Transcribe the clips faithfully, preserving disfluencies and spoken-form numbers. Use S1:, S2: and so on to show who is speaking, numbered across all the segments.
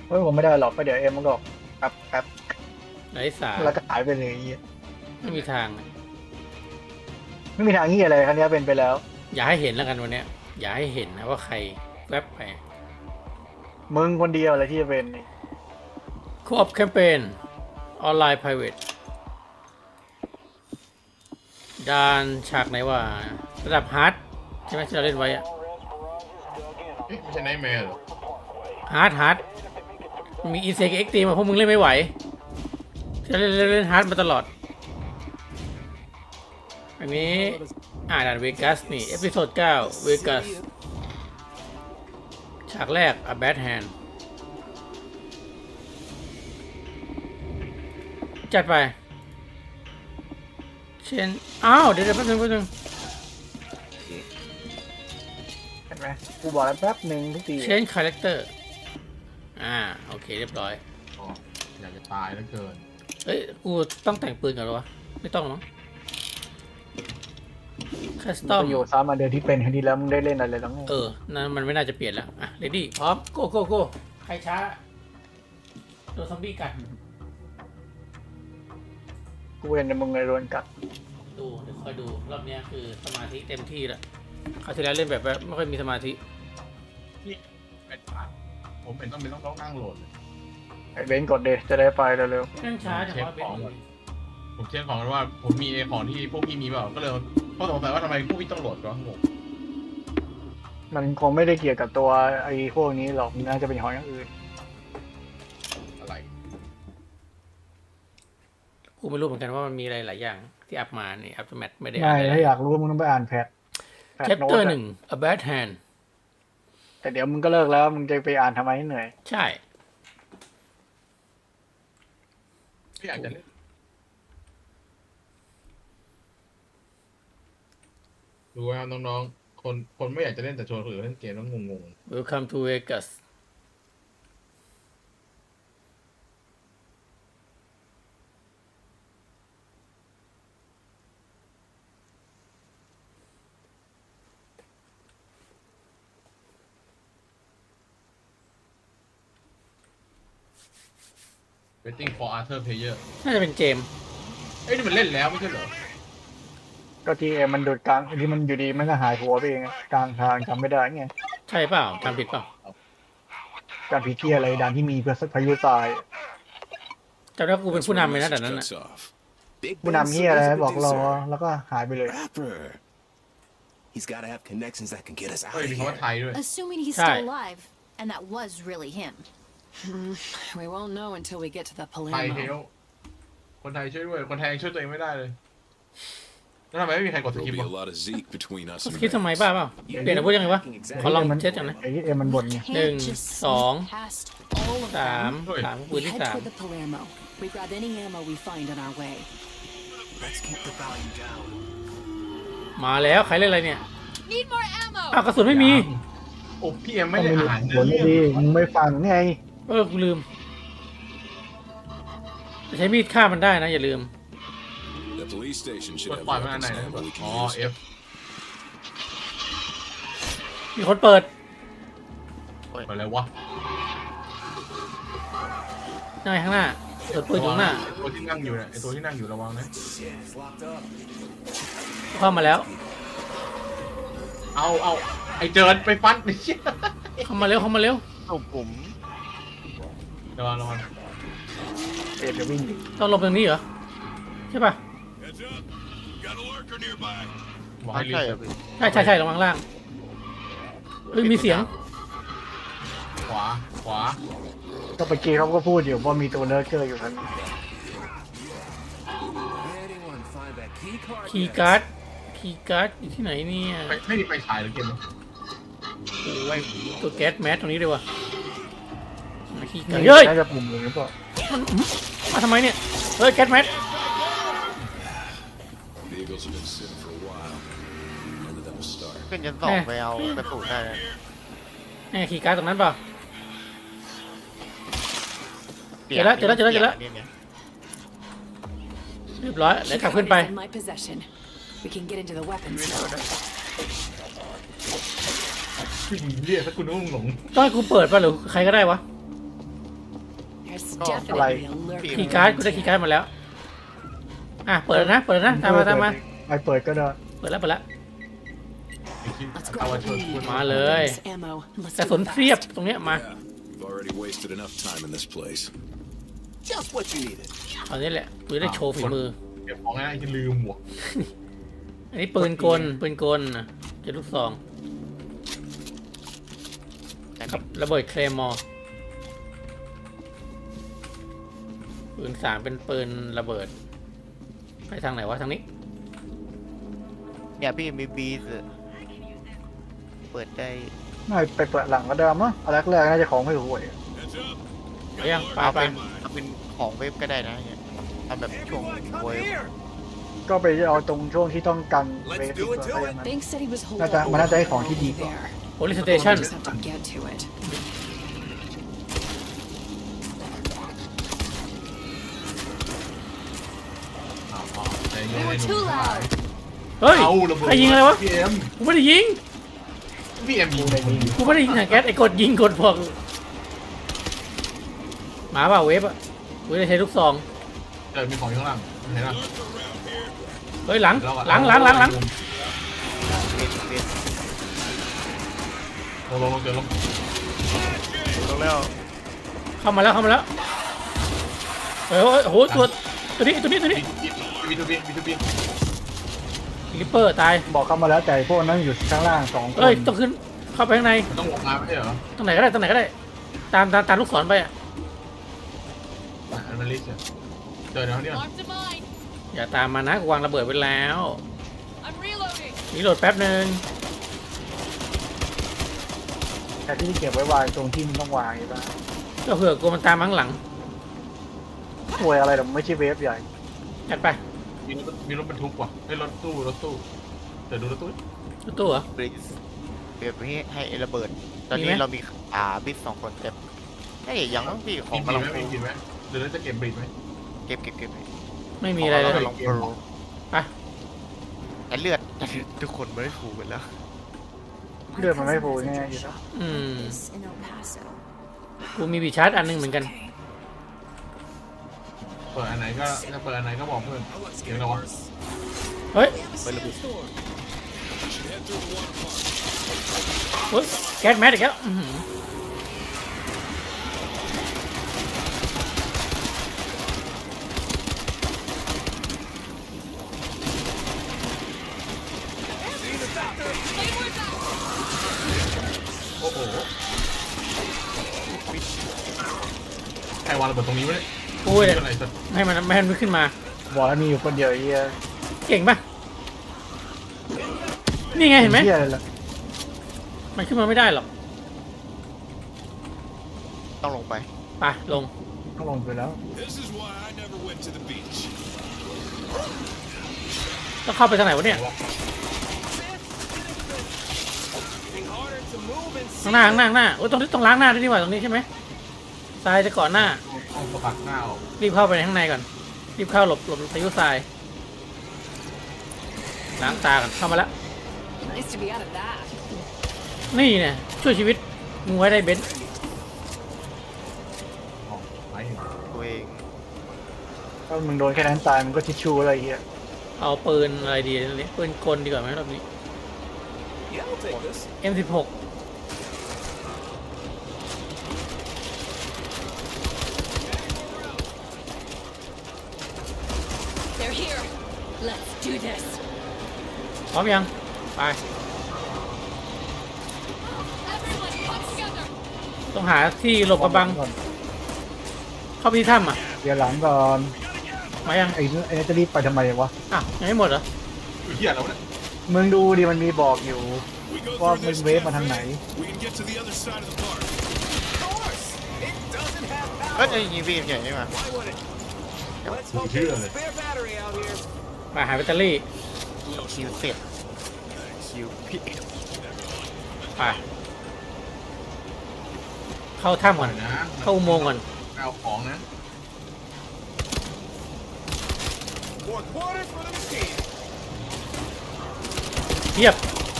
S1: เฮ้ยผมไม่ได้หรอกก็เดี๋ยวเอ็มมันก็แป๊บแป๊บ
S2: ไร้สาระ
S1: แล้วก็หายไปเลยไอ้เหี้ย
S2: ไม่มีทาง
S1: ไม่มีทางเหี้ยอะไรคันนี้เป็นไปแล้ว
S2: อย่าให้เห็นแล้วกันวันเนี้ยอย่าให้เห็นนะว่าใครแวบไป
S1: มึงคนเดียวอะไรที่จะเป็นนี่
S2: คูออฟแคมเปญออนไลน์ private ด่านฉากไหนว่าระดับฮาร์ดใช่ไหมที่เราเล่นไว้อะ
S3: เอ๊ะไม่ใช่ไนท์แมร์เหรอ
S2: ฮาร์ดฮาร์ดมีอีเซกเอ็กตีมาพวกมึงเล่นไม่ไหวที่เราเล่นเล่นเล่นฮาร์ดมาตลอดอันนี้อ่าด่านเวกัสนี่เอพิโซดเก้าเวกัสฉากแรก A Bad Hand จัดไปเช่นอ้าวเดี๋ยวเดี๋ยวแป๊บนึงแป๊บนึง
S1: เห็นไหมกูบอกแล้วแป๊บหนึ่งทุกที
S2: เชนคาแรคเตอร์อ่าโอเคเรียบร้อย
S3: อ๋ออยากจะตายแล้วเกิน
S2: เอ้ยกูต้องแต่งปืนก่อนเหรอวะไม่ต้องมั้งคัสตอม
S1: ประโยชน์ซ้ำมาเดินที่เป็นคดีแล้วมึงได้เล่นอะไรแล้วไง
S2: เออนั่นมันไม่น่าจะเปลี่ยนแล้วอ่ะเรดี้พร้อมโก้โก้โก้ใครช้าโดนซอมบี้กัด
S1: กูเห็นในมึงไงโดนกัด
S2: ดูเดี๋ยวคอยดูรอบเนี้ยคือสมาธิเต็มที่แล้วคราวที่แล้วเล่นแบบว่าไม่ค่อยมีสมาธิ
S3: นี่เป็นผ่านผมเป็นต้องเป็นต้องต้องนั่งโหลดเลย
S1: ไอ้เบนซ์กดเดจะได้ไปเร็ว
S2: นั่งช้าแต่ว่าเป็น
S3: ผมเช็คของกันว่าผมมีไอ้ของที่พวกพี่มีเปล่าก็เลยก็สงสัยว่าทำไมพวกพี่ต้องโหลดก็งง
S1: ๆมันคงไม่ได้เกี่ยวกับตัวไอ้พวกนี้หรอกมันน่าจะเป็นของอย่างอื่น
S3: อะไร
S2: กูไม่รู้เหมือนกันว่ามันมีอะไรหลายอย่างที่อัพมานี่อัพแมทไม่ได้
S1: ไม่
S2: อ่าน
S1: ถ้าอยากรู้มึงต้องไปอ่านแพทแพท
S2: แชป
S1: โน้
S2: เตอ
S1: ต
S2: ร์หนึ่ง A Bad Hand
S1: แต่เดี๋ยวมึงก็เลิกแล้วมึงจะไปอ่านทำไมให้เหนื่อย
S2: ใช่
S3: ไม่อยากจะเล่นดูว่าน้องๆคนคนไม่อยากจะเล่นแต่ชวนคนอื่นเล่นเกมแล้วงง
S2: Welcome to Vegas
S3: ๆ waiting for Arthur player
S2: น่าจะเป็นเกม
S3: เอ้ยนี่มันเล่นแล้วไม่ใช่เหรอ
S1: ก็ทีเอ็มมันโดดกลางที่มันอยู่ดีมันก็หายหัวไปเองอะกลางทางจำไม่ได้ไง
S2: ใช่เปล่าจำผิดเปล่า
S1: การพิเทียอะไรดันที่มีพายุทราย
S2: จำได้ว่ากูเป็นผู้นำเลยนะแต่นั้นน่ะ
S1: ผู้นำเฮียอะไรบอกรอแล้วก็หายไปเลย
S4: Rapper. He's got to have connections that can get us
S3: เฮ้ย
S4: out of
S3: มีคำว่า
S4: here.
S3: ไทยด้วย
S5: Assuming he's
S2: Hi.
S5: still alive, and that was really him.
S6: We won't know until we get to the
S3: ไทยเฮ
S6: Palermo.
S3: ลคนไทยช่วยด้วย คนไทยยังช่วยตัวเองไม่ได้เลย แล้วทำไมไม่มีใครกดส
S4: There'll
S3: กิป
S4: be
S3: วะ
S4: a lot of Zeke between us
S2: ส
S4: and
S2: คริปต์ทำไม
S4: Rex.
S2: บ้าเปล่าเปลี่ยนอาวุธยังไงวะ ขอลอง
S1: มัน
S2: เช็ดก่อนนะ
S1: ไอ้เอ็มมันบ่นไง
S2: Đừng,
S5: Can't just
S2: sóng.
S5: sneak past all of
S2: สาม
S5: them.
S2: สามปืน
S6: We
S2: ที่
S6: head
S2: สาม
S6: toward the Palermo. We grab any ammo we find on our way.
S4: Let's keep the volume down.
S2: มาแล้วใครเล่นอะไรเนี่ย
S5: Need more ammo.
S2: อ้าวกระสุนไม่มี
S3: โอ้พี่เอ็มไม่
S1: ต้อง
S3: ได้
S1: มี
S3: อ่าน
S1: ผล
S3: เนื้อ
S1: ดี
S3: เรื่อง
S1: มึงไม่ฟังไง
S2: เออกูลืมใช้มีดฆ่ามันได้นะอย่าลืม
S4: The police station
S3: ก
S4: should
S3: ด
S4: have
S3: ปล่อยมันอัน
S4: weapons
S3: ไหนนะ
S4: ammo we
S3: อ๋อ
S4: can use.
S3: F
S2: มีคนเปิด
S3: อะไรวะ
S2: นั่งไงข้างหน้าเปิดปืนอยู่ข้างหน้า
S3: ไอ้ตัวที่นั่งอยู่เนี่ยไอตัวที่นั่งอยู่ระวังนะ
S4: Shit, it's locked up.
S2: เข้ามาแล้ว
S3: เอาเอาไอเจิดไปฟันไอ้เชี่ย
S2: เข้ามาเร็วเข้ามาเร็ว
S3: ระวังระวัง
S1: เอ็มจะวิ่งดิ
S2: ต้องลงตรงนี้เหรอใช่ป่ะ
S3: บอกให้รีบ
S2: ใช่ใช่ใช่ระวังล่างเฮ้ยมีเสียง
S3: ขวาขวา
S1: ก็เมื่อกี้เขาก็พูดอยู่ว่ามีตัวเลิร์เกอร์อยู่ทัน
S4: Anyone find that key card?
S2: คีย์
S4: yet?
S2: การ์ดคีย์การ์ดอยู่ที่ไหนเนี่ย
S3: ไปไม่มีไฟฉายหรือเกมนี้
S2: โอ้ยตัวแก๊สแมสตรงนี้เลยวะมาคีย์การ์ด
S1: นี่
S2: เฮ้ย
S1: น่าจะปุ่มหรือเปล่า
S2: มันมาทำไมเนี่ยเฮ้ยแก๊สแมส
S4: The Eagles have been sitting for a while. When did that start?
S7: ขึ้นชั้นสองไปเอากระสุนได้เลย
S2: แน่คีย์การ์ดตรงนั้นเปล่า
S7: ปยน
S2: เจอแล้วเจอแล้วเจอแล้วเจอแล้ว
S7: นี่ย
S2: เรียบร้อยเดี๋ยวกลับขึ้นไป
S6: Is in my possession. We can get into the weapons store.
S3: ผู้หญิงเรียกถ้าคุณต้องหลง
S2: ต้องให้กูเปิดป่ะหรือใครก็ได้วะ
S6: It's
S7: Oh,
S6: definitely a lurking
S2: คีย์การ์ดกูได้
S6: danger.
S2: คีย์การ์ดมาแล้วอ่ะเปิดแล้วนะเปิดแล้วนะตามมาตามมา
S1: ไปเปิดก็ได้
S2: เปิดแล้วเปิดแล้ว
S3: ไอ้คิด
S6: Let's
S3: เอา
S6: grab
S3: ไว้
S6: what
S3: ช่วย
S6: we
S3: พูด
S6: need.
S2: มาเลย
S6: This ammo. Let's
S2: กระ
S6: do
S2: สุน
S6: it
S2: เทียบ
S6: fast.
S2: ตรงเนี้ยมา
S4: Yeah, we've already wasted enough time in this place.
S8: Just what you needed.
S2: เอานี้แหละกูจะได้โชว์ฝีมือ
S3: เก็บของง่ายที่ลืมหมวก
S2: อันนี้ปืนกลปืนกลนะเจ็ดลูกซองกับระเบิดเคลมอร์ปืนสามเป็นปืนระเบิดไปทางไหนวะทางนี้
S7: เนี่ยพี่มีบีสเปิดได้
S1: น่าไปเปิดหลังก็ได้มั้งอันแรกๆน่าจะของไม่ห่วย
S2: ไปยังไป
S7: เอา
S2: ไป
S7: เป็นเอาเป็นของเว็บก็ได้นะเนี่ยทำแบบช่วง
S8: Everyone, come
S7: เว็บ
S8: here.
S1: ก็ไปเอาตรงช่วงที่ต้องกันเว
S8: Let's
S1: ฟ
S8: do
S1: ก่อ
S8: it
S1: น
S8: to
S1: ถ้า
S8: it.
S1: อย่างนั้น
S6: Banks said he was holding
S1: น่าจะมันน่าจะให้ของที่ดี
S6: over
S1: กว่า
S6: there.
S2: โพลิสเตชัน
S6: Just have to get to it.
S3: เอาเอาใจเย็น
S5: They
S3: ไอ้
S5: were
S3: หนุ่
S5: too
S3: มทั้งหลาย
S5: loud.
S2: เฮ้ย
S3: เอาระเบิด
S2: ใครยิงอะไรวะ
S3: พี่เอ็ม
S2: กูไม่ได้ยิง
S3: พี่เอ็มยิงคนยิง
S2: กูไม่ได้ยิงถังแก๊สไอ้กดยิงกดพวกหมาเปล่าเวฟอ่ะกูได้ใช้ลูกซอง
S3: เจอมีของอยู่ข้างล่างเห็นปะ
S2: เฮ้ยหลัง
S3: เราอะ
S2: หลังหลังหลังหลัง
S7: เว็บเว็บ
S3: ลงลงลงเจอลง
S7: ลงแล้ว
S2: เข้ามาแล้วเข้ามาแล้วเฮ้ยโอ้โหตัวตัวนี้ตัวนี้ตัวนี้
S3: บีทูบีบีทูบี
S2: ลิปเปอร์ตาย
S1: บอกเข้ามาแล้วแต่พวกนั้นอยู่ข้างล่างสองคน
S2: เอ้ยต้องขึ้นเข้าไปข้างใน
S3: มันต้องลงมาไม่ใช่เหรอ
S2: ตรงไหนก็ได้ตรงไหนก็ได้ ตามตามตามลูกศรไปอ่ะ
S3: อ่ะอันมันลิสต์อะเจอเดี๋ยวนี้ก่อน
S5: Alarm to mine.
S2: อย่าตามมานะกูวางระเบิดไว้แล้ว
S5: I'm reloading.
S2: รีโหลดแป๊บหนึ่ง
S1: แต่ที่เก็บไว้วางตรงที่มันต้องวางใช่ปะ
S2: ก็เผื่อกูมันตามมาข้างหลัง
S1: ห่วยอะไรแต่ไม่ใช่เวฟใหญ่
S2: จัดไป
S3: มีรถมีรถบรรทุกว่ะไอ้ยรถตู้รถตู้เดี๋ยวดูรถตู้
S2: รถตู้เหรอ
S7: บีสเว็บให้ให้ระเบิด ตอน
S2: มี
S7: นี้
S2: ไหม
S7: เรามีอ่าบิสสองคนเต็มเฮ้ยยังต้องพี่ขอ
S3: มี
S7: ง
S3: บี
S7: กำลัง
S3: ไหม
S7: ฟู
S3: มีบีไหมเดี๋ยวเราจะเก็บบรีดไหม
S7: เก็บเก็บเก็บ
S2: ไม่มีอะไรเลย
S7: ขงกำลังฟู
S2: ไป
S7: แต่เลือดทุกคนไม่ได้ฟูกันแล้ว
S1: เลือดมันไม่ฟูแน่อยู่แล้ว
S2: อืม
S5: This in El Paso.
S2: กูมีบีชาร์จอันหนึงเหมือนกัน
S3: เปิดอันไหนก็ถ้าเปิดอันไหนก็บอกเพื่อนเดี๋ยวเราวะ
S2: เฮ้ย
S7: ไประเบิด
S2: เฮ้ยแก๊สแมสอีกแล้วอื้อหือ
S3: โอ้โหใครวางระเบิดตรงนี้วะเนี่ย
S2: กูเนี่ย
S3: อะไรสัก
S2: ให้มันไม่ให้มันขึ้นมา
S1: บอกแล้วมีอยู่คนเดียวไอ้เฮีย
S2: เก่งปะนี่ไงเห็นไหม
S1: เฮียอะไรล่ะ
S2: มันขึ้นมาไม่ได้หรอก
S7: ต้องลงไป
S2: ไปลง
S1: ต้องลงไปแล้ว
S4: This is why I never went to the beach.
S2: ต้องเข้าไปทางไหนวะเนี่ย
S8: Getting harder to move and
S2: ข้างหน้าข้างหน้าข้างหน้าโอ้ยตรงนี้ต้องล้างหน้าด้วยนี่หว่าตรงนี้ใช่ไหมทรายจะก่อนหน้า
S3: เอาสะบัดหน้าออก
S2: รีบเข้าไปในข้างในก่อน รีบเข้าหลบหลบพายุทราย ล้างตาก่อนเข้ามาแล้ว
S6: Nice to be out of that.
S2: นี่เนี่ยช่วยชีวิตมึงไว้ได้เบนซ์
S3: ออกไป
S7: ตัวเอง
S1: ถ้ามึงโดนแค่นั้นตายมึงก็ทิชชู่อะไรเฮีย
S2: เอาปืนอะไรดีเนี่ยปืนกลดีกว่าไหมรอบนี้
S8: yeah, I'll take this.
S2: เอ็ม สิบหก
S5: They're here. Let's do this.
S2: พร้อมยัง ไป
S5: Everyone, come together.
S2: ต้องหาที่หลบกระบัง
S1: ก่อน
S2: เข้าไปที่ถ้ำอ่ะ
S1: เดี๋ยวหลังก่อน
S2: มายัง
S1: ไอ้ไอ้จะรีบไปทำไมวะ
S2: อ้าวยังไม่หมดเหรอ
S3: เฮียแล้วเนี่ย
S1: มึงดูดิมันมีบอกอยู่
S4: We go
S1: ว่า
S4: through
S1: มัน
S4: this
S1: เวฟมาทางไหน
S4: we can get to the other side of the park.
S8: Of course. It doesn't have
S7: เอ้ย
S8: power.
S7: จะยิงพี่ใหญ่นี่มา
S8: Why would it? Let's hope
S3: Here.
S8: there's a spare battery out here.
S2: มาหาแบตเตอรี่
S7: คิวเสร็จคิวพี่
S2: ไป เข้าถ้ำก่อน
S3: นะ
S2: เข้าอุโมงค์ก่อน
S3: เอาของนะ
S8: Four quarters for the machine.
S2: เทียบ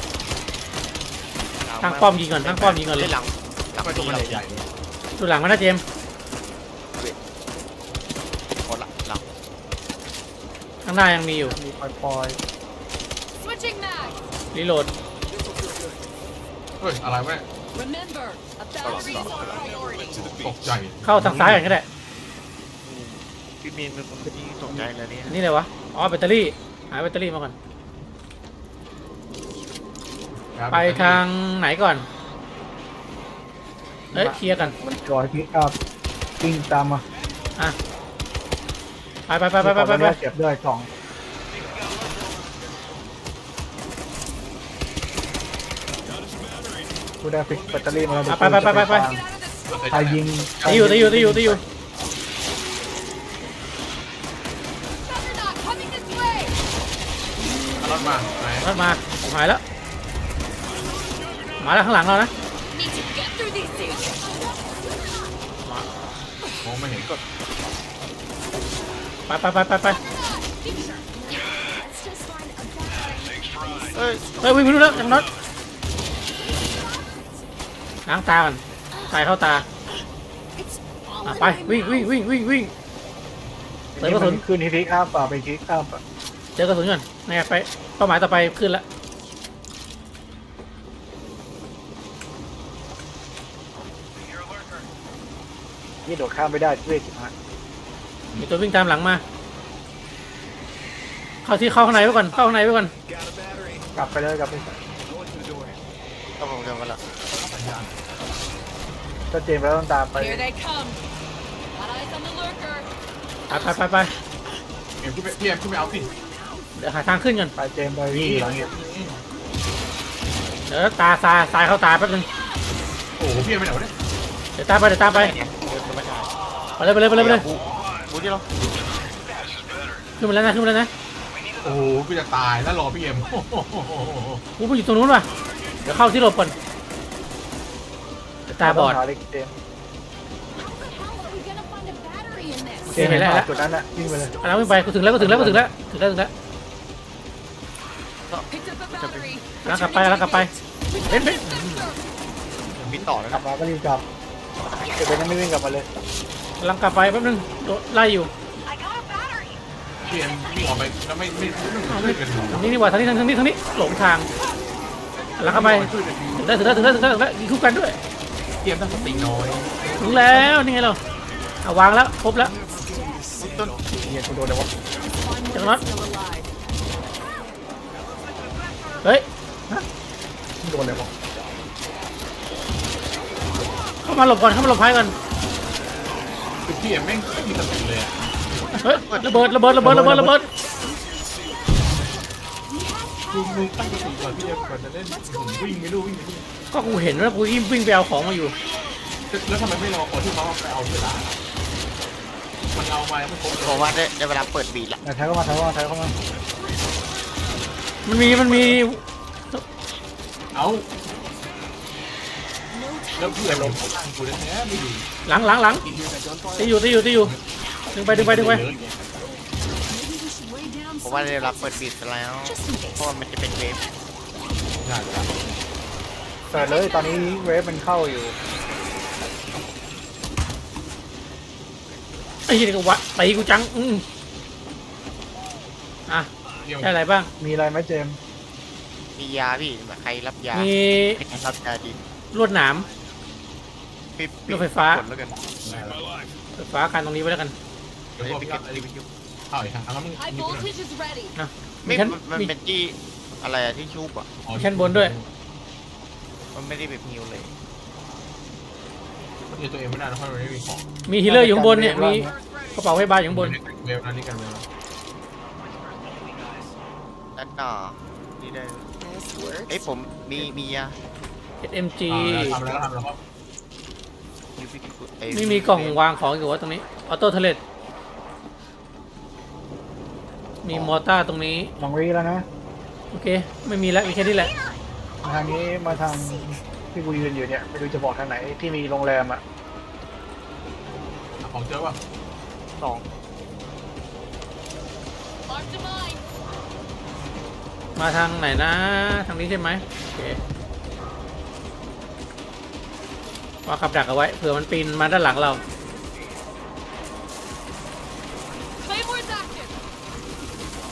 S2: ตั้งป้อมยิงก่อนตั้งป้อมยิงก่อนเลย
S7: หลังหลัง
S3: ไปตรง
S7: พี่
S3: มัน
S7: เรา
S3: ใหญ่ๆเลย
S2: ดูหลังมานะเจมส์
S7: เ
S2: ข้างหน้ายังมีอยู่
S1: มีปล่อย
S5: Switching mag.
S2: รีโหลด
S3: เฮ้ยอะไรวะเนี่ย
S5: Remember, a battery is our priority.
S3: ตกใจ
S2: เข้าทางซ้ายกันก็ได้
S7: พี่มีนเป็นคนที่ตกใจเลยเนี่ย
S2: อันนี่เลยวะอ๋อแบตเตอรี่หาแบตเตอรี่มาก่อนไปทางไหนก่อนเอ้ยเคลียร์กัน
S1: ๆมันจอยพิกอัพวิ่งตามมา
S2: อ่ะไปไปไปไปไปไปไป
S1: เก็บด้วยกล่องกูได้ฟิกแบตเตอรี่มาแล้ว
S2: อ่ะไปไปไปไปไป
S1: ใครยิง
S2: ตีอยู่ตีอยู่ตีอยู่ตีอยู่
S5: Juggernaut coming this way.
S3: เอารถมาไหน
S2: รถมาหายแล้วมาแล้วข้างหลังเรานะ
S5: Need to get through these things.
S3: มองไม่เห็นกด
S2: ไปไปไปไปไป
S7: เอ้ย
S2: เฮ้ยวิ่งไปดูแล้วจังน็อตล้างตาก่อนใส่เข้าตาอ่ะไปวิ่งวิ่งวิ่งวิ่งวิ่งเติมกระสุน
S1: ขึ้นที่พิกอัพป่ะไปพิกอัพอ่ะ
S2: เจอกระสุนก่อนนี่ไปเป้าหมายต่อไปขึ้นแล้ว
S1: นี่โดดข้ามไม่ได้ช่วยจิ๋มฮะ
S2: มีตัววิ่งตามหลังมา เข้าที่เข้าข้างในไว้ก่อนเข้าข้างในไว้ก่อน
S8: Got a battery.
S1: กลับไปเลยกลับไป
S8: Going to the door.
S7: ก็ผมจะมาละ
S1: ถ้าเจมส์แล้วต้องตามไป
S5: Here they come. Got eyes on the lurker.
S2: ไปไปไปไป
S3: เอ็มขึ้นไปพี่เอ็มขึ้นไปเอาสิ
S2: เดี๋ยวหาทางขึ้นก่อน
S1: ไปเจมส์ไปวิ่งหลังเนี่ย
S2: เดี๋ยวตาทรายทรายเข้าตาแป๊บนึง
S3: โอ้โหพี่เอ็มไปไหนวะเนี่ย
S2: เดี๋ยวตามไปเดี๋ยวตามไป
S7: เดินไม่ได้
S2: ไปเลยไปเลยไปเลยไปเลย
S7: บูบูที่เรา
S2: ขึ้นมาแล้วนะขึ้นมาแล้วนะ
S3: โอ้โหพี่จะตายแล้วรอพี่เอ็มโอ้โห
S2: กูไปอยู่ตรงนู้นว่ะเดี๋ยวเข้าที่หลบก่อนเดี๋ยวตาบอด
S1: หาเล็กเจมส์
S5: How are we gonna find a battery in this?
S1: เจมส์เห็นป่ะจุดนั้นน่ะวิ่งไปเลย
S2: เอาแล้ววิ่งไปกูถึงแล้วกูถึงแล้วกูถึงแล้วถึงแล้วถึงแล้ว
S5: Picked up a battery.
S2: แล้วกลับไปแล้วกลับไปเบ้นเบ้น
S7: มีต่อแล้ว
S1: กลับมาก็รีบกลับเก็บไปนั่นไม่วิ่งกลับมาเลย
S2: กำลังกลับไปแป๊บนึงโดนไล่อยู่
S3: พี่เอ็มวิ่งออกไปแล้วไม่ไม่ไม่ไม่ช่วยกันดู
S2: ทางนี้นี่หว่าทางนี้ทางนี้ทางนี้หลงทางแล้วเข้าไปถึงแล้วถึงแล้วถึงแล้วถึงแล้วถึงแล้วยิงคู่กันด้วย
S3: พี่เอ็มตั้งสติน้อย
S2: ถึงแล้วนี่ไงเราเอาวางแล้วครบแล้ว
S7: ต้น
S1: เฮียกูโดนเลยวะ
S2: จังน็อตเฮ้ย
S1: โดนเลยวะ
S2: เข้ามาหลบก่อนเข้ามาหลบภัยก่อน
S3: คือพี่เอ็มแม่งไม่มีสติเลยอะ
S2: เฮ้ยระเบิดระเบิดระเบิดระเบิดระเบิด
S3: คือมึงตั้งสติก่อนพี่เอ็มก่อนจะเล่นผมวิ่งไม่รู้วิ่งไม่รู้
S2: ก็กูเห็นว่ากูยิ่งวิ่งไปเอาของมาอยู่
S3: แล้วทำไมไม่รอคนที่เขาไปเอาเวลามันเอามาแล้วมันครบ
S7: ผมว่าได้ได้เวลาเปิดบีดละ
S1: แทงเข้ามาแทงเข้ามาแทงเข้ามา
S2: มันมีมันมี
S3: เอาแล้วพี่เอ็มลงข้างกูแท้ๆไม่อยู่
S2: หลังหลังหลังตีอยู่ตีอยู่ตีอยู่ดึงไปดึงไปดึงไป
S7: ผมว่าได้เวลาเปิดบีดแล้วเพราะว่ามันจะเป็นเวฟ
S3: น่าจะ
S1: เปิดเลยตอนนี้เวฟมันเข้าอยู่
S2: ไอ้ยี่นี่ก็วะตีกูจังอืมอ่ะ
S3: พี่เอ็ม
S2: ได้อะไรบ้าง
S1: มีอะไรไหมเจมส์
S7: มียาพี่ใครรับยา
S2: มี
S7: ใครรับยาดี
S2: ลวดหนาม
S7: พี่
S2: รถไฟฟ้า
S7: กดแล้วกัน
S2: ไฟฟ้ากันตรงนี้ไว้แล้วกัน
S3: เดี๋ยวพอพี่อัพรีวิวเข้าอีกครั้งแล้วมึง
S5: High
S3: นี่กูหน่อย
S5: voltage is ready.
S2: มี
S7: ไม่
S2: ชั้น
S7: มัน
S2: มี
S7: เป็นที่อะไรอะที่ชูบอะ
S3: อ๋อ
S2: ชั้นบนด้วย
S7: มันไม่ได้แบบฮิวเลย
S3: เดี๋ยวตัวเองไม่ได้นะเพราะมันไม่มีของ
S2: มีฮีลเลอร์อยู่ข้างบนเนี่ยมีกระเป๋าไฟบาร์อยู่ข้างบน
S3: เวฟนั้นนี่กันเลย
S7: ด้านหน้านี่ได้
S6: This works.
S7: เอ้ยผมมีมียา
S2: เอส เอ็ม จี
S3: ทำแล้วทำแล้วครับ
S7: อยู่พี่กิ๊กเอ้ย
S2: ไม่มีกล่องวางของอยู่วะตรงนี้ออโต้เทเลตมีมอเตอร์ตรงนี้
S1: ลองรีแล้วนะ
S2: โอเคไม่มีแล้วมีแค่นี้แหละ
S1: ทางนี้มาทางที่กูยืนอยู่เนี่ยไม่รู้จะบอกทางไหนที่มีโรงแรมอ่ะ
S3: ของเจอป่ะ
S7: สอง
S5: Marked a mine.
S2: มาทางไหนนะทางนี้ใช่ไหมโอเควางกับดักเอาไว้เผื่อมันปีนมาด้านหลังเรา
S5: Claymore's active.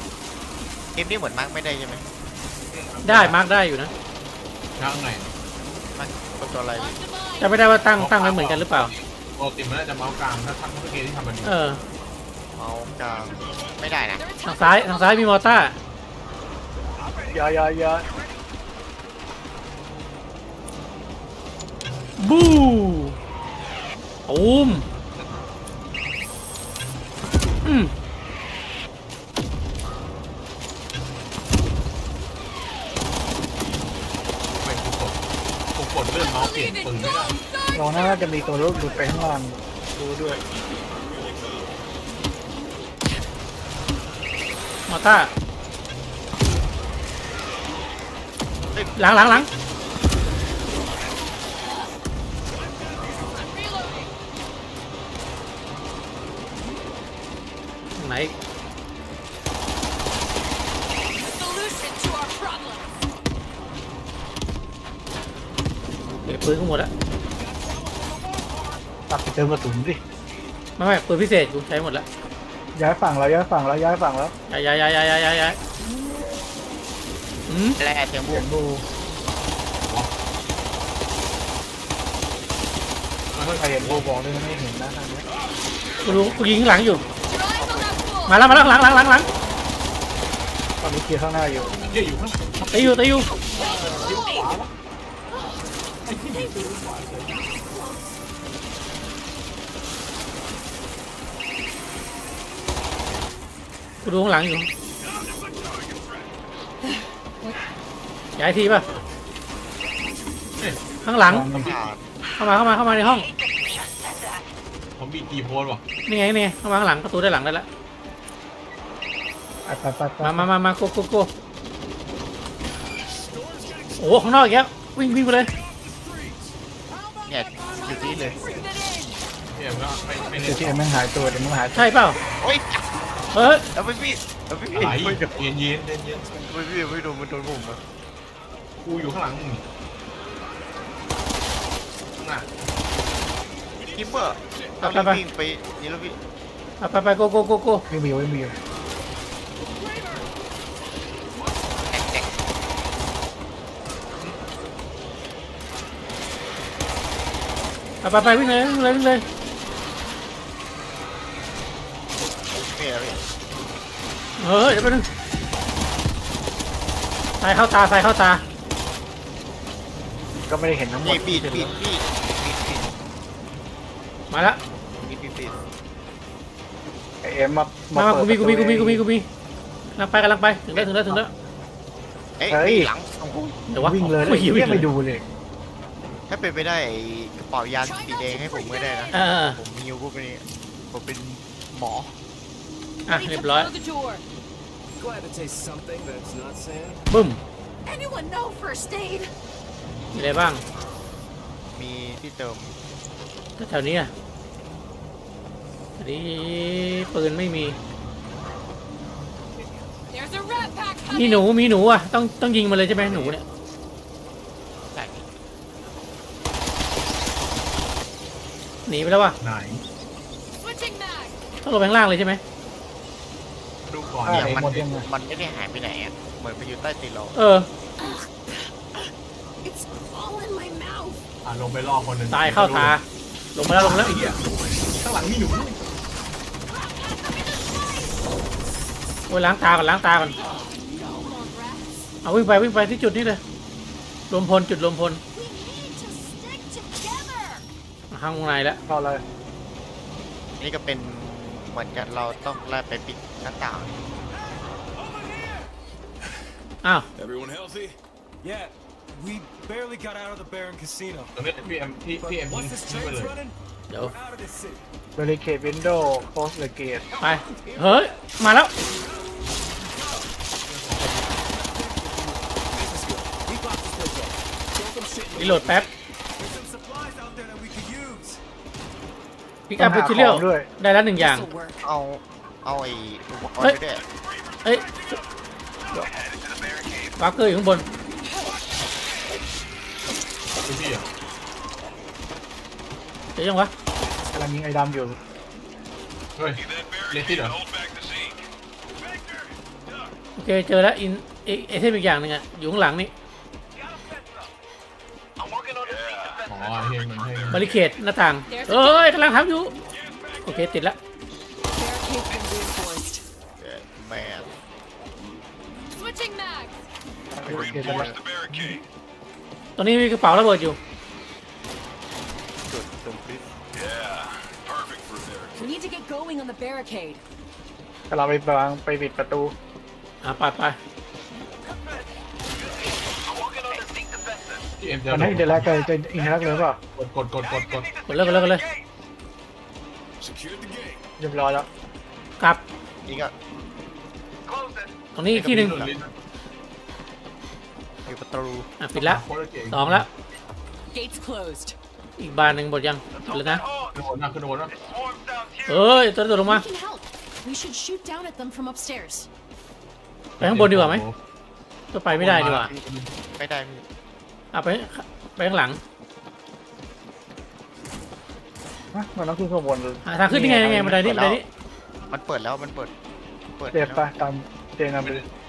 S7: เกมนี้เหมือนมาร์กไม่ได้ใช่ไหม
S2: ได้มาร์กได้อยู่นะ
S3: ข้างไหน
S7: มาร์กกดตัวอะไร
S5: Marked a mine.
S2: จะไม่ได้ว่าตั้งตั้งไว้เหมือนกันหรือเปล่า
S3: ปกติมันน่าจะเมาส์กลางถ้าทำทุกเกมที่ทำมันดี
S2: เออ
S7: เอากลางไม่ได้นะ
S5: They're
S2: ทางซ้ายทางซ้ายมีมอร์ต้า
S1: อย่าอย่าอย่า
S2: บูตูมอืม
S3: ไปกูกดกูกดเลื่อนเมาส์เปลี่ยนปืนไม่ได้
S1: เราน่าจะมีตัวลูกดูดไปข้างล่างดูด้วย
S2: มอร์ต้าหลังหลังหลัง ไหน
S5: Solution to our problem.
S2: เก็บปืนทั้งหมดแล้ว
S1: ตักไปเติมกระสุนดิ
S2: ไม่ไม่ปืนพิเศษกูใช้หมดแล้ว
S1: ย้ายฝั่งแล้วย้ายฝั่งแล้วย้ายฝั่งแล้ว
S2: ย้ายย้ายย้ายย้ายย้ายย้ายอืม
S7: แร่เสียงบู
S1: เสียงบู ใครเห็นบูบอกเลยไม่เห็นนะทางนี้
S2: กูรู้กูยิงข้างหลังอยู่
S5: Your eyes on that pool.
S2: มาแล้วมาแล้วหลังหลังหลังหลัง
S1: ตอนนี้เคลียร์ข้างหน้าอยู่
S3: เหี้ยอยู่ข้าง
S2: ตีอยู่ตีอยู่กูดูข้างหลังอยู่ย้ายทีป่ะข้างหลัง เข้ามาเข้ามาเข้ามาในห้อง
S3: ผมมีกีโพสว่ะ
S2: นี่ไงนี่ไงเข้ามาข้างหลังประตูด้านหลังได้แล้ว
S1: ไปไปไป
S2: มามามามาโกโกโกโอ้โหข้างนอกอีกแล้ววิ่งวิ่งไปเลย
S7: เนี่ยอยู่ที่เลย
S3: เหี้ยมันก็ไม่ไม่
S1: เดี๋
S3: เล่
S1: ยวน ที่เอ็มแม่งหายตัวเดี๋ยวมึงหายตัว
S2: ใช่เปล่า
S7: โอ้ย
S2: เฮ้ย
S7: เอาไปพี่เอาไปพี่
S3: อะไร
S7: ไม่โดน
S3: เย็นเย็นเย็นเย็น
S7: ไม่พี่ไม่โดนมันโดนผมอะ
S3: กูอยู่ข้างหลังมึงน่ะ
S7: คิปเปอร์เอารีบวิ่งไปนี่แล้วพี่
S2: ไปไปไปโกโกโกโก
S1: ไม่มีไม่มีอยู่
S7: แท็กแท็ก
S2: ไปไปไปวิ่งเลยวิ่งเลยวิ่งเลย
S7: นี่แล้วพี่
S2: เฮ้ยเดี๋ยวไปนึงสายเข้าตาสายเข้าตา
S1: ก็ไม่ได้เห็นทั้งหมด
S7: นี่บีดบีดบีดบีดบีด
S2: มาแล้ว
S7: บีดบีดบีด
S1: ไอเอ็มมา
S2: มามา
S1: เปิ
S2: กู
S1: ด
S2: มีกูมีกูมี
S1: ประตู
S2: กูมีกูมีกำลังไปกำลังไปถึงแล้วถึงแล้วถึงแล้ว
S7: เอ้ย
S1: เฮ้ย
S7: หลังโอ้โห
S2: เดี๋ยววะ
S1: วิ่งเลย
S2: โอ้ย
S1: เฮี
S2: วิ่
S1: ย
S2: ง
S1: ไม่
S2: เลย
S1: ดูเลย
S7: ถ้าเป็นไปได้ไอ้กระเป๋ายาสีแดงให้ผมก็ได้นะ
S2: เออ
S7: ผมมีพวกนี้ผมเป็นหมอ
S2: อ่ะ
S5: Ready
S2: เรีย
S5: to
S2: บร้อย
S5: blow the door.
S8: Glad to taste something that's not sand.
S2: บึ้ม
S6: Anyone know first aid?
S2: มีอะไรบ้าง
S7: มีที่เติม
S2: แถวนี้อ่ะอันนี้ปืนไม่มี
S5: There's a rat pack
S2: มี
S5: coming.
S2: หนูมีหนูอ่ะต้องต้องยิงมันเลยใช่ไหมหนูเนี่ย
S7: ได้
S2: หนีไปแล้วว่ะ
S3: ไหน
S5: Switching mag.
S2: ต้องลงไปข้างล่างเลยใช่ไหม
S3: ดูก่อน
S1: อ่า
S7: เนี่ย
S1: เอ็ม
S7: มัน
S1: หมดยังไง
S7: มันไม่ได้หายไปไหนอ่ะเหมือนไปอยู่ใต้ตีนเรา
S2: เออ
S6: It's all in my mouth.
S3: อ่ะลงไปรอคนหนึ่ง
S2: ตายเข้าตาลงมาแล้วลงมาแล้ว
S3: ไอ้เหี้ยข้างหลังมีหนู
S2: โอ้ยล้างตาก่อนล้างตาก่อน
S5: Come on, rats.
S2: เอาวิ่งไปวิ่งไปที่จุดนี้เลยรวมพลจุดรวมพล
S5: We need to stick together.
S2: มาข้างในแล้ว
S1: เข้าเลย
S7: นี่ก็เป็นเหมือนกันเราต้องไล่ไปปิดหน้าต่าง
S2: อ้าว
S4: Everyone healthy?
S8: Yeah, we barely got out of the Baron Casino.
S3: ตรงนี้พี่เอ็มพี่พี่เอ็ม
S8: But
S3: ทิ้ง
S8: once this
S3: ทิ้งไปเล
S8: train's
S3: ย
S8: running,
S2: เดี๋ยว
S8: we're out of this city.
S1: บริเคดวินโดว์โคสเลเกต
S2: ไปเฮ้ยมาแล้ว
S8: We blocked this place up. Throw some shit in
S2: รีโหลดแป๊บ
S8: There's some supplies out there that we could use.
S2: พิกอัพไปทีเรียลได้แล้วหนึ่งอย่าง
S6: This'll work.
S7: เอาเอาไอ้อุปกรณ์
S2: เฮ้ย
S7: ไปด้วย
S2: เอ้ยวักเกอร์อยู่ข้างบน
S3: ดูพี่อ่ะ
S2: เดี๋ยวยังวะ
S1: กำลังยิงไอ้ดำอยู่
S3: เฮ้ยเลติดเหรอ
S2: โอเคเจอแล้วอินเอไอเทมอีกอย่างหนึ่งอะอยู่ข้างหลังนี่
S3: อ๋อเฮงมันเฮง
S2: บาริเคดหน้าต่างเอ้ยกำลังทำอยู่โอเคติดละ
S6: Barricade's been reinforced.
S7: เออแมน
S5: Switching mags.
S1: โอเคกันแล้ว
S4: The barricade.
S2: ตรงนี้มีกระเป๋าระเบิดอยู่
S7: จุดตรงพลิก
S4: Yeah, perfect for barricade.
S6: We need to get going on the barricade.
S1: กำลังไปวางไปปิดประตู
S2: อ่ะไปไป
S3: ที่เอ็มจะ
S1: มันให้เดลักจะอินเทอร์แอคเลยเปล่าก
S3: ดกดกดกดกด
S2: กดเลยกดเลยกดเลย
S4: Secured the gate.
S1: เรียบร้อยแล้ว
S2: กลับ
S7: อีกอ่ะ
S2: ตรงนี้อีกที่หนึ่ง
S7: มีประตู
S2: อ่ะปิดละ
S3: โคตรเก่ง
S2: สองละ
S6: Gates closed.
S2: อีกบานหนึ่งหมดยังปิดแล้วนะ
S3: ขึ้นโดนนะขึ้นโดนนะ
S2: เอ้ยตัวตัวลงมา
S6: We can help. We should shoot down at them from upstairs.
S2: ไปข้างบนดีกว่าไหมก็ไปไม่ได้ดีกว่า
S7: ไม่ได้มี
S2: อ่ะไปไปข้างหลัง
S1: ฮะมันต้องขึ้นข้างบน
S2: หาทางขึ้นยังไงยังไงบันไดนี้บันไดนี้
S7: มันเปิดแล้วมันเปิดเปิด
S1: เจ็บ
S7: แล้ว
S1: ปะตามเจนนำไป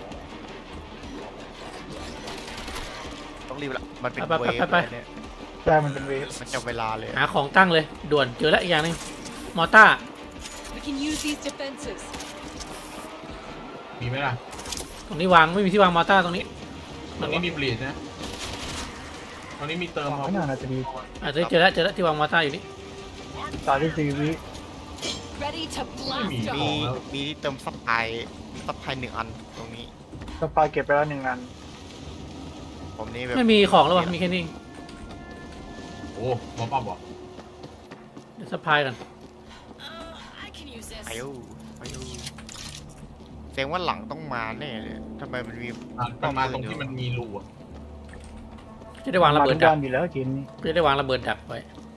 S7: ต้องรีบละมันเป็น
S2: ไป
S7: เว
S2: ไป
S7: ฟ
S2: ไปไป
S7: เนี่ย
S1: ใช่มันเป็นเวฟ
S7: มันจะเวลาเลย
S2: หาของตั้งเลยด่วนเจอแล้วอีกอย่างหนึงมอต้า
S5: We can use these defenses.
S3: มีไหมล่ะ
S2: ตรงนี้วางไม่มีที่วางมอต้าตรงนี้
S3: ตรงนี้มีบลีดนะตรงนี้มีเติม
S1: ไม่น่าน่าจะดี
S2: อ่ะเจอเจอแล้วเจอแล้วที่วางมอต้าอยู่นี่
S1: สามที่สี่วิ
S5: Ready to
S3: ไม่มี
S5: blast
S3: ข
S7: มี
S3: องแล้ว
S7: มีที่เติมซัพพลายซัพพลายหนึ่งอันตรงนี้
S1: สปายเก็บไปแล้วหนึ่งอัน
S7: ผมนี่แบบ
S2: ไม่มีของแล้ววะมีแค่นี้
S3: โอ้หมอป้าบอก
S2: เดี๋ยวสะพายกัน
S5: Uh, I can use this.
S7: ไปดูไปดูแสดงว่าหลังต้องมาแน่เลยทำไมมันมี
S3: อ่ะมันมาตรงที่มันมีรูอ่ะ
S2: จะได้วางระเบิด
S1: ทุก
S2: ดั
S1: ด้าก นอยู่แล้วจิน
S2: จะได้วางระเบิดดักไว้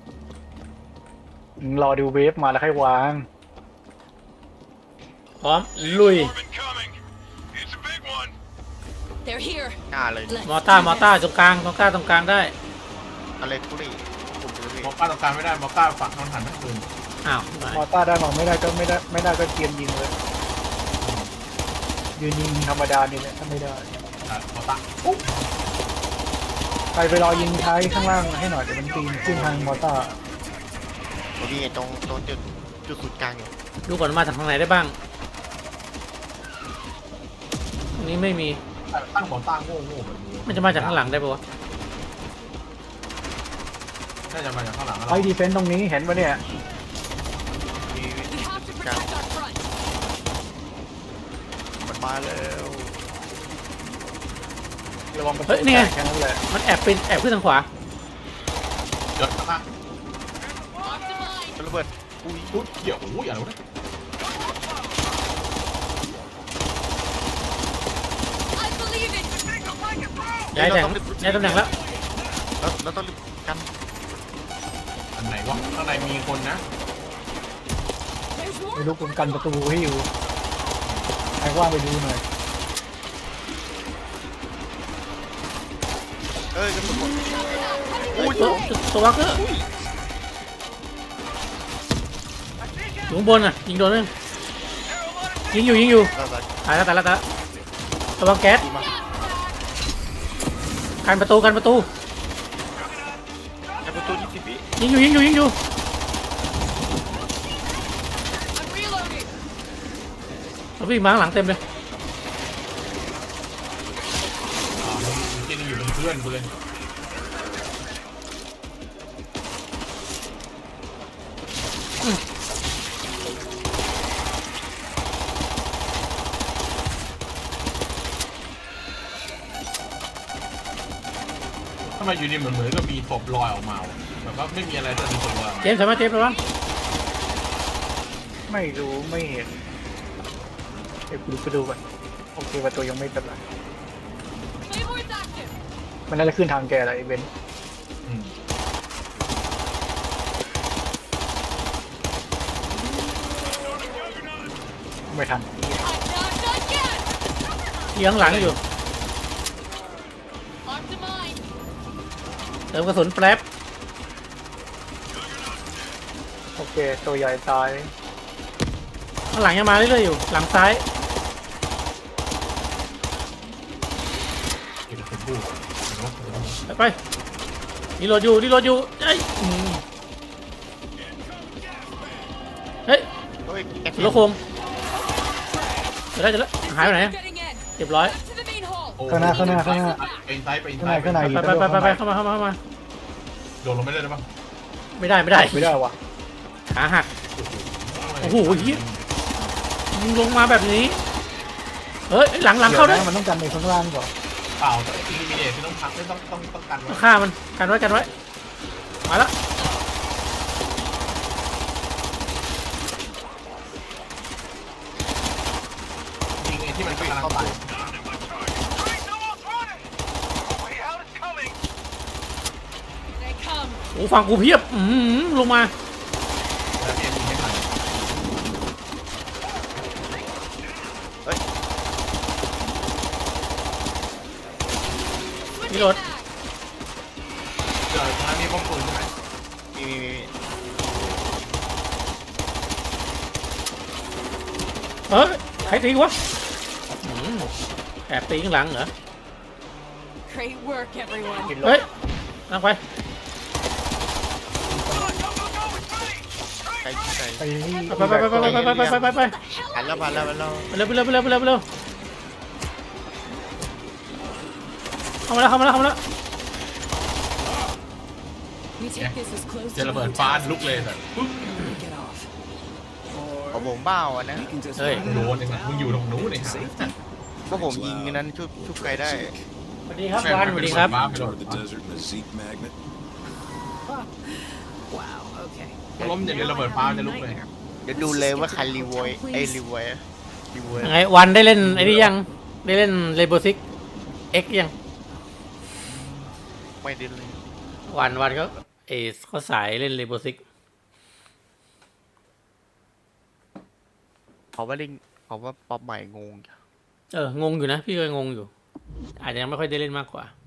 S1: รอดูเวฟมาแล้วค่อยวาง
S2: พร้อมลุย
S4: Orb incoming. It's a big one.
S6: They're here.
S7: หน้าเลย
S6: Let's
S2: มอต้า
S6: do
S2: มอต้า
S6: this.
S2: ตรงกลางตรงกลางตรงกลางได้
S7: อะไรทุเรศผมเลย
S3: หมอป้าต้องการไม่ได้หมอป้าฝักนอนหันทั้งคืน
S2: อ้าว
S1: มอต้าได้มองไม่ได้ก็ไม่ได้ไม่ได้ก็เกียนยิงเลยยืนยิงธรรมดานี่แหละถ้าไม่ได้
S3: อ่ะหมอป้า
S1: ไปไปรอยิงท้ายข้างล่างให้หน่อยเดี๋ยวมันปีนขึ้นทางมอต้า
S7: ผมนี่ตรงตรงจุดจุดศูนย์กลางอยู่
S2: ดูก่อนว่ามาจากทางไหนได้บ้างตรงนี้ไม่มี
S3: ตั้งหมอต้าโง่โง่แบบนี้
S2: มันจะมาจากข้างหลังได้ปะวะ
S3: น่าจะมาจากข้างหลัง
S1: ไอ้ดีเฟนต์ตรงนี้เห็นปะเนี่ย
S7: มี
S5: We have
S7: จุ
S5: to
S7: ดกลาง
S5: protect our front.
S7: มันมาแล้ว
S1: ระวังประตู
S2: เฮ้ยนี่ไง
S1: แค่นั้นแหละ
S2: มันแอบเป็นแอบขึ้นทางขวา
S3: เดี๋ยวข้างล่าง
S5: Optimize.
S7: ระเบิดอุ้ย
S3: อุ๊ยเกี่ยวโอ้ยอย่ารู้นะ
S5: I believe it.
S2: ย้ายตำแหน่งย้ายตำแหน่งแล้ว
S7: แล้วแล้วต้องรีบกัน
S3: อันไหนวะข้างในมีคนนะ
S5: There's
S1: ไม่
S5: more.
S1: รู้ผมกันประตูให้อยู่ใครว่างไปดูหน่อย
S7: เอ้ยกระสุนหมด
S2: อุ้ยตัวตัววักเกอร์อยู่ข้างบนอ่ะยิงโดนไหมยิงอยู่ยิงอยู่
S7: เราจะ
S2: ตายแล้วตายแล้วตายแล้วระวังแก๊ส
S7: ดีมา
S2: กันประตูกันประตู
S7: ไอ้ประตูยี่สิบวิ
S2: ยิงอยู่ยิงอยู่ยิงอยู่
S5: I'm reloading.
S2: เราวิ่งมาข้างหลังเต็มเลย
S3: อ่ามันกินอยู่เป็นเพื่อนกูเลย ทำไมอยู่ดีเหมือนเหมือนก็มีศพลอยออกมาวะแบบว่าไม่มีอะไรแต่มีศพลอยออกมา
S2: เจมส์สามารถเจมส์ระวัง
S1: ไม่รู้ไม่เห็นเดี๋ยวกูไปดูก่อนโอเคประตูยังไม่เป็นไร
S5: Claymore's active.
S1: มันน่าจะขึ้นทางแกแหละไอ้เบน
S3: อืม
S1: ไม่ทัน
S5: I'm not done yet.
S2: ยิงข้างหลังอยู่
S5: Optimize.
S2: เติมกระสุนแป๊บ
S1: โอเคตัวใหญ่ตาย
S2: ข้างหลังยังมาเรื่อยๆอยู่หลังซ้ายไปไปนี่โหลดอยู่นี่โหลดอยู่เฮ้ยอืมเฮ้ย
S7: เฮ้ยแก
S2: สุรโคงจะได้จะได้หายไปไหน
S5: Getting in.
S2: เรียบร้อย
S5: Back to the main hall.
S3: โอ้
S1: ข้างหน้าข้างหน้าข้างหน้า
S3: ไปอินไซด์ไปอิน
S1: ข้าง
S3: ไซ
S1: ใน
S3: ด์
S1: ข้างใน
S2: ไปไปไปไปไปเข้ามาเข้ามาเข้ามา
S3: โดดลงไม่ได้หรือเปล่า
S2: ไม่ได้ไม่ได้
S1: ไม่ได้วะ
S2: ขาหักโอ้โหเหี้ยยิงลงมาแบบนี้เฮ้ยหลังหลังเข้าด้วย
S1: ดี๋ยวนะมันต้องกันในข้างล่างก่อน
S3: เปล่าต้องอินมิเนตคือต้องพักไม่ต้องต้องต้องกันไว้
S2: ต้องฆ่ามันกันไว้กันไว้มาแล้ว
S3: ยิงไอ้ที่มันกำลังตาย
S5: They come.
S2: โอ้ฟังกูเพียบอืมลงมา
S3: แล้วพี่ยิงไม่ทัน
S2: นี่รถ
S3: เดี๋ยวตรงนั้นมีป้อมปืนใช่ไหม
S7: มีมีมี
S2: เฮ้ยใครตีวะอืมแอบตีข้างหลังเหรอ
S5: Great work, everyone.
S2: เฮ้ยนั่งไป
S7: ใครใคร
S1: ไปที่
S2: ไปไปไปไปไปไปไปไปไป
S7: ผ่านแล้วผ่านแล้วผ่านแล้ว
S2: ไปเร็วไปเร็วไปเร็วไปเร็วไปเร็วเข้ามาแล้วเข้ามาแล้วเข้ามาแล้ว
S6: We take this as close
S3: เจอ
S6: to
S3: ระ
S6: the
S3: เบิด
S6: hotel
S3: ฟ้า
S6: as
S3: ลุกเลยแต่ปุ๊บ
S6: we can get off.
S7: ของผมเบ้าอ่ะนะ
S2: เฮ้ย
S3: โดนเองนะมึงอยู่ตรงนู้นเลยฮะ
S7: ก็ผมยิงอันนั้นชุบชุบใครได้
S2: สวัสดีครับวานสวัสดีครับ
S4: Part of the desert and a Zeke magnet.
S6: Wow, okay.
S3: ล้มอย่างเดียวระเบิดฟ้าจะลุกเลย
S7: เดี๋ยวดูเลยว่าใครรีโวยไอ้รีโวยรีโวย
S2: ยังไงวันได้เล่นไอ้นี่ยังได้เล่นเรโบซิกเอ็กยัง
S7: ไม่ได้เลย
S2: วันวันเขาเอสเขาสายเล่นเรโบซิก
S7: เขาว่าเล่นเขาว่าป๊อปใหม่งง
S2: เอองงอยู่นะพี่ก็งงอยู่ อาจจะยังไม่ค่อยได้เล่นมากกว่า